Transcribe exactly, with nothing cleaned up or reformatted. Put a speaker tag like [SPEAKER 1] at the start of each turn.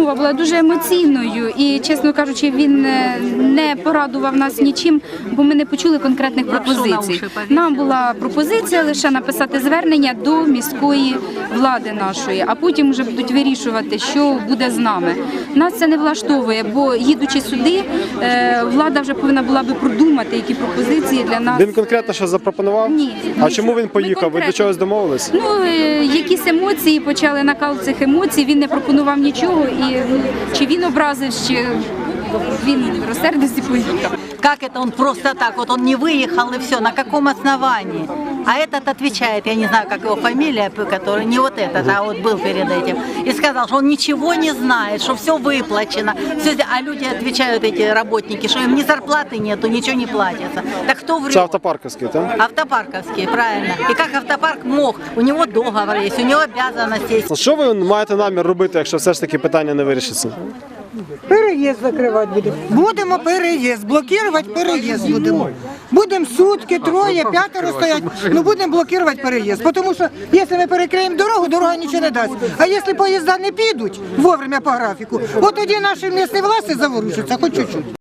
[SPEAKER 1] розмова була дуже емоційною і, чесно кажучи, він не порадував нас нічим, бо ми не почули конкретних пропозицій. Нам була пропозиція лише написати звернення до міської влади нашої, а потім вже будуть вирішувати, що буде з нами. Нас це не влаштовує, бо їдучи сюди, влада вже повинна була би продумати, які пропозиції для нас.
[SPEAKER 2] Він конкретно що запропонував?
[SPEAKER 1] Ні.
[SPEAKER 2] А чому він поїхав? Ви до чогось домовились?
[SPEAKER 1] Ну, якісь емоції, почали накал цих емоцій, він не пропонував нічого, і чи він образив, чи він розсердився і поїхав.
[SPEAKER 3] Как это он просто так, вот он не выехал и все, на каком основании? А этот отвечает, я не знаю, как его фамилия, который не вот этот, а вот был перед этим, и сказал, что он ничего не знает, что все выплачено, все, а люди отвечают, эти работники, что им ни зарплаты нету, ничего не платится. Так кто врет?
[SPEAKER 2] Це автопарковський, так?
[SPEAKER 3] Автопарковские, правильно. И как автопарк мог? У него договор есть, у него обязанности есть.
[SPEAKER 2] Що ви маєте намір робити, якщо все ж таки питання не вирішиться?
[SPEAKER 4] Переїзд закривати будемо. Будемо переїзд, блокувати переїзд будемо. Будемо сутки, троє, п'ятеро стоять, ну будемо блокувати переїзд. Тому що, якщо ми перекриємо дорогу, дорога нічого не дасть. А якщо поїзда не підуть вовремя по графіку, от тоді наші місцеві власті заворушаться, хоч чуть-чуть.